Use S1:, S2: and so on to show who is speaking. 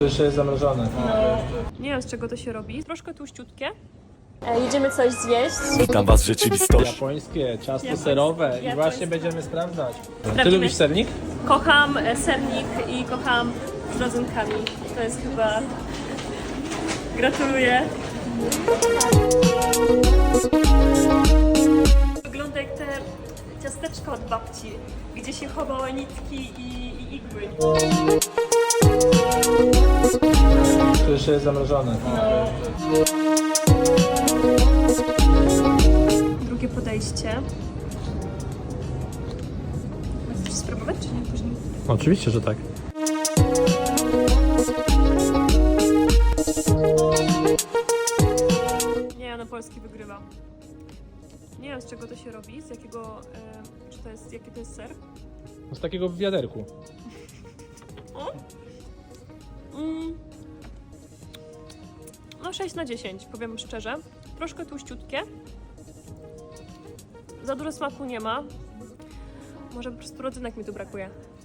S1: Jeszcze jest zamrożone.
S2: No. Nie wiem, z czego to się robi. Troszkę tłuściutkie.
S3: Jedziemy coś zjeść.
S4: Witam was w rzeczywistości.
S1: Japońskie, ciasto serowe i właśnie będziemy sprawdzać. Ty lubisz sernik?
S2: Kocham sernik i kocham z rodzynkami. To jest chyba... Gratuluję. Wygląda jak te ciasteczka od babci, gdzie się chowały nitki i igły.
S1: To jeszcze jest zamrożone.
S2: No. Drugie podejście. Chcesz spróbować, czy nie później?
S1: Oczywiście, że tak.
S2: Nie, no Polski wygrywa. Nie wiem, z czego to się robi, z jakiego... czy to jest... jaki to jest ser?
S1: Z takiego w wiaderku.
S2: No 6 na 10, powiem szczerze. Troszkę tłuściutkie. Za dużo smaku nie ma. Może po prostu rodzynek mi tu brakuje.